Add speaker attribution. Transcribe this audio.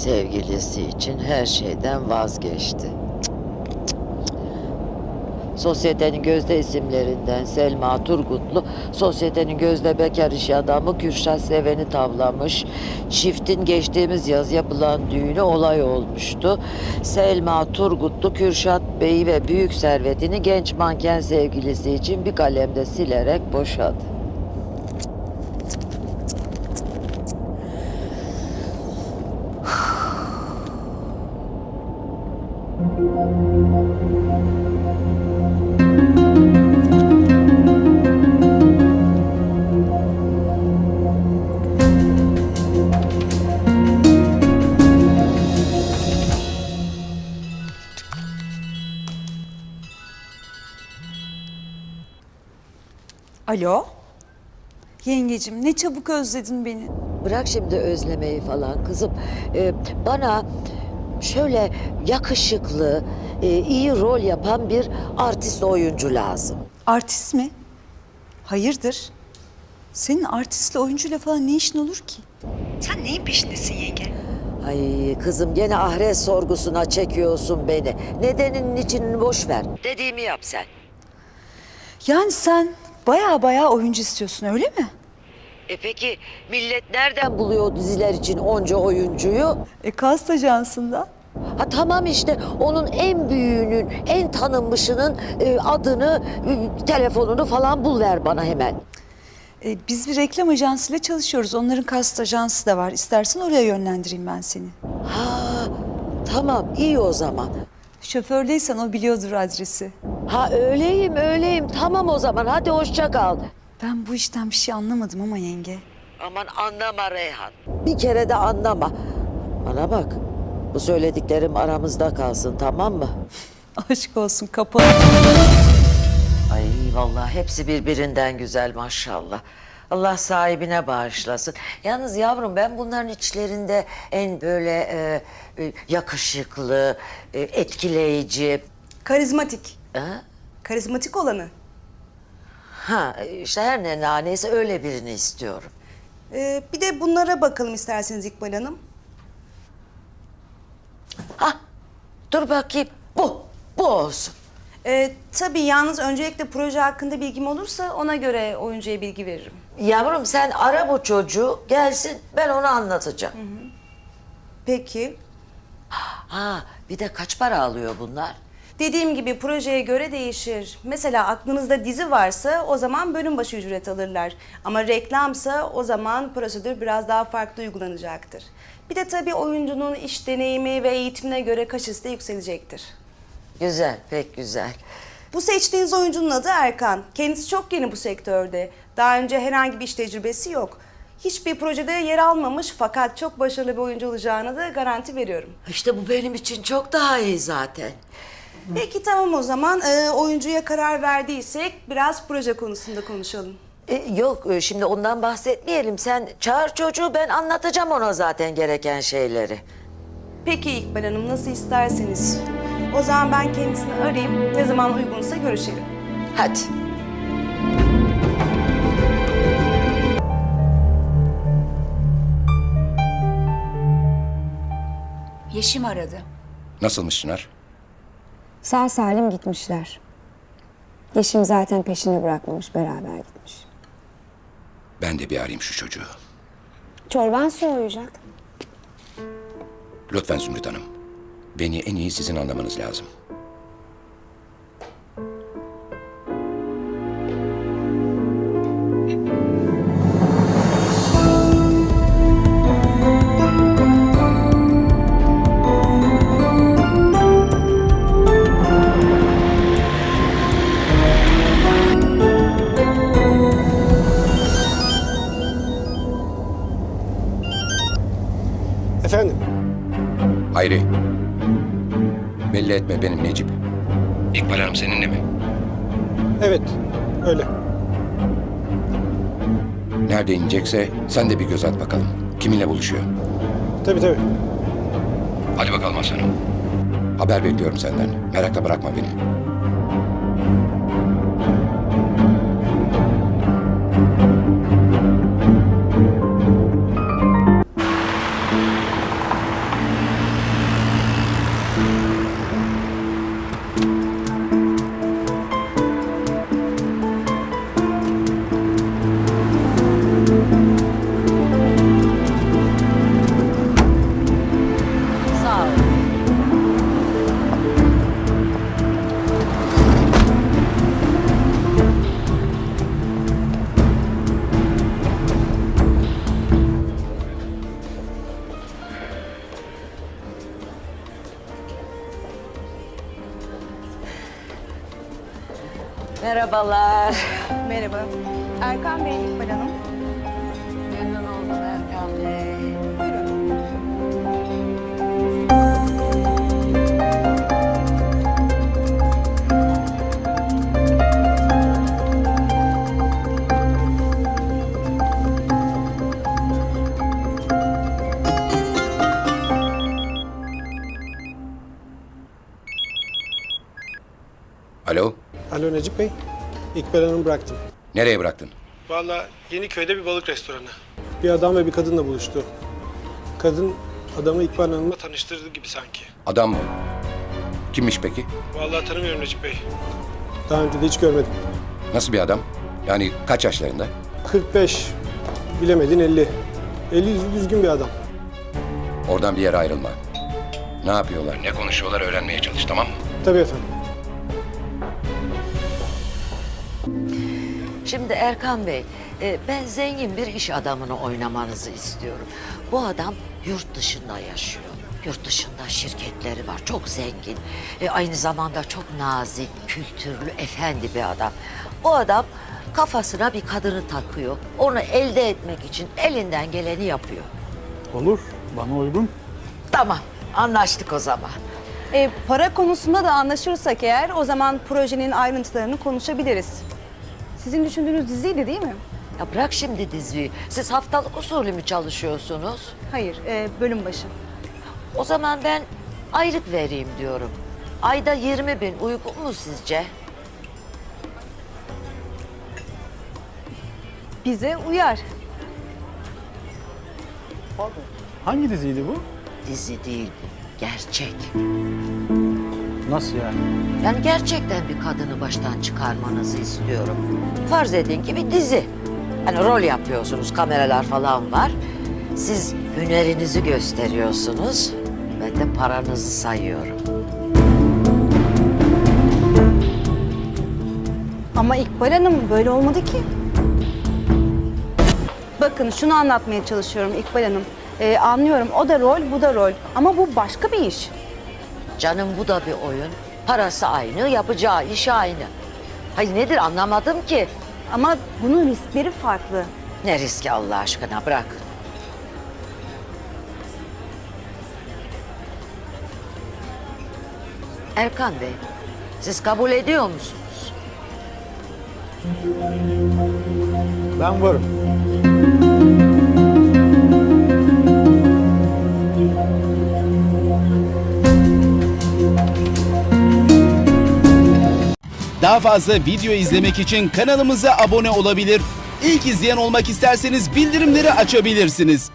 Speaker 1: sevgilisi için her şeyden vazgeçti. Sosyetenin gözde isimlerinden Selma Turgutlu, sosyetenin gözde bekar iş adamı Kürşat Seven'i tavlamış. Çiftin geçtiğimiz yaz yapılan düğünü olay olmuştu. Selma Turgutlu, Kürşat Bey'i ve büyük servetini genç manken sevgilisi için bir kalemde silerek boşadı.
Speaker 2: Alo? Yengecim ne çabuk özledin beni.
Speaker 1: Bırak şimdi özlemeyi falan kızım. Bana şöyle yakışıklı, iyi rol yapan bir artist oyuncu lazım.
Speaker 2: Artist mi? Hayırdır? Senin artistle oyuncuyla falan ne işin olur ki? Sen neyin peşindesin yenge?
Speaker 1: Ay kızım gene ahiret sorgusuna çekiyorsun beni. Nedeninin içini boş ver. Dediğimi yap sen.
Speaker 2: Yani sen baya oyuncu istiyorsun öyle mi?
Speaker 1: Peki millet nereden buluyor o diziler için onca oyuncuyu?
Speaker 2: Kast ajansında.
Speaker 1: Ha tamam işte onun en büyüğünün, en tanınmışının adını, telefonunu falan bul ver bana hemen.
Speaker 2: Biz bir reklam ajansıyla çalışıyoruz. Onların kast ajansı da var. İstersen oraya yönlendireyim ben seni.
Speaker 1: Ha tamam iyi o zaman.
Speaker 2: Şofördeysen o biliyordur adresi.
Speaker 1: Ha öyleyim tamam o zaman hadi hoşça kal.
Speaker 2: Ben bu işten bir şey anlamadım ama yenge.
Speaker 1: Aman anlama Reyhan. Bir kere de anlama. Bana bak bu söylediklerim aramızda kalsın tamam mı?
Speaker 2: Aşk olsun kapalı.
Speaker 1: Ay vallahi hepsi birbirinden güzel maşallah. Allah sahibine bağışlasın. Yalnız yavrum ben bunların içlerinde en böyle yakışıklı, etkileyici...
Speaker 3: Karizmatik.
Speaker 1: Ha?
Speaker 3: Karizmatik olanı.
Speaker 1: Ha işte her ne naneyse öyle birini istiyorum.
Speaker 3: Bir de bunlara bakalım isterseniz İkbal Hanım.
Speaker 1: Ha dur bakayım bu olsun.
Speaker 3: Tabii yalnız öncelikle proje hakkında bilgim olursa ona göre oyuncuya bilgi veririm.
Speaker 1: Yavrum sen ara bu çocuğu gelsin ben onu anlatacağım.
Speaker 3: Peki.
Speaker 1: Ha bir de kaç para alıyor bunlar?
Speaker 3: Dediğim gibi projeye göre değişir. Mesela aklınızda dizi varsa o zaman bölüm başı ücret alırlar. Ama reklamsa o zaman prosedür biraz daha farklı uygulanacaktır. Bir de tabii oyuncunun iş deneyimi ve eğitimine göre kaşesi de yükselecektir.
Speaker 1: Güzel pek güzel.
Speaker 3: Bu seçtiğiniz oyuncunun adı Erkan. Kendisi çok yeni bu sektörde. Daha önce herhangi bir iş tecrübesi yok. Hiçbir projede yer almamış fakat çok başarılı bir oyuncu olacağına da garanti veriyorum.
Speaker 1: İşte bu benim için çok daha iyi zaten.
Speaker 3: Peki tamam o zaman oyuncuya karar verdiysek biraz proje konusunda konuşalım.
Speaker 1: Yok şimdi ondan bahsetmeyelim. Sen çağır çocuğu ben anlatacağım ona zaten gereken şeyleri.
Speaker 3: Peki İkbal Hanım nasıl isterseniz. O zaman ben kendisini arayayım. Ne zaman uygunsa görüşelim.
Speaker 1: Hadi.
Speaker 4: Yeşim aradı.
Speaker 5: Nasılmış Çınar?
Speaker 6: Sağ salim gitmişler. Yeşim zaten peşini bırakmamış, beraber gitmiş.
Speaker 5: Ben de bir arayayım şu çocuğu.
Speaker 6: Çorban soğuyacak.
Speaker 5: Lütfen Zümrüt Hanım. Beni en iyi sizin anlamanız lazım.
Speaker 7: Efendim?
Speaker 5: Hayri. Belli etme benim Necip. İkbal Hanım seninle mi?
Speaker 7: Evet, öyle.
Speaker 5: Nerede inecekse sen de bir göz at bakalım. Kiminle buluşuyor?
Speaker 7: Tabii.
Speaker 5: Hadi bakalım aslanım. Haber bekliyorum senden. Merakla bırakma beni.
Speaker 1: Merhabalar.
Speaker 3: Merhaba. Erkan Bey, İkbal Hanım.
Speaker 1: Memnun oldum Erkan Bey.
Speaker 3: Buyurun.
Speaker 5: Alo,
Speaker 7: Alo Necip Bey. İkbal Hanım'ı bıraktım.
Speaker 5: nereye bıraktın?
Speaker 7: Vallahi Yeniköy'de bir balık restoranı. Bir adam ve bir kadınla buluştu. Kadın adamı İkbal Hanım'la tanıştırdı gibi sanki.
Speaker 5: Adam mı? Kimmiş peki?
Speaker 7: Vallahi tanımıyorum Necip Bey. Daha önce de hiç görmedim.
Speaker 5: Nasıl bir adam? Yani kaç yaşlarında?
Speaker 7: 45, bilemedin 50. 50 yüzü düzgün bir adam.
Speaker 5: Oradan bir yere ayrılma. Ne yapıyorlar, ne konuşuyorlar öğrenmeye çalış, tamam mı?
Speaker 7: Tabii efendim.
Speaker 1: Şimdi Erkan Bey, ben zengin bir iş adamını oynamanızı istiyorum. Bu adam yurt dışında yaşıyor. Yurt dışında şirketleri var, çok zengin. Aynı zamanda çok nazik, kültürlü, efendi bir adam. O adam kafasına bir kadını takıyor. Onu elde etmek için elinden geleni yapıyor.
Speaker 8: Olur, bana uygun.
Speaker 1: Tamam, anlaştık o zaman.
Speaker 3: Para konusunda da anlaşırsak eğer o zaman projenin ayrıntılarını konuşabiliriz. Sizin düşündüğünüz diziydi değil mi?
Speaker 1: Ya bırak şimdi diziyi. Siz haftalık usulü mü çalışıyorsunuz?
Speaker 3: Hayır, bölüm başı.
Speaker 1: O zaman ben aylık vereyim diyorum. Ayda 20.000 uygun mu sizce?
Speaker 3: Bize uyar.
Speaker 8: Hangi diziydi bu?
Speaker 1: Dizi değil bu, gerçek.
Speaker 8: Nasıl yani?
Speaker 1: Yani gerçekten bir kadını baştan çıkarmanızı istiyorum. Farz edin ki bir dizi. Hani rol yapıyorsunuz, kameralar falan var. Siz hünerinizi gösteriyorsunuz. Ben de paranızı sayıyorum.
Speaker 3: Ama İkbal Hanım böyle olmadı ki. Bakın şunu anlatmaya çalışıyorum İkbal Hanım. Anlıyorum o da rol, bu da rol. Ama bu başka bir iş.
Speaker 1: Canım bu da bir oyun. Parası aynı, yapacağı iş aynı. Hayır nedir anlamadım ki.
Speaker 3: Ama bunun riskleri farklı.
Speaker 1: Ne riski Allah aşkına bırak. Erkan Bey, siz kabul ediyor musunuz?
Speaker 8: Ben varım.
Speaker 9: Daha fazla video izlemek için kanalımıza abone olabilir. İlk izleyen olmak isterseniz bildirimleri açabilirsiniz.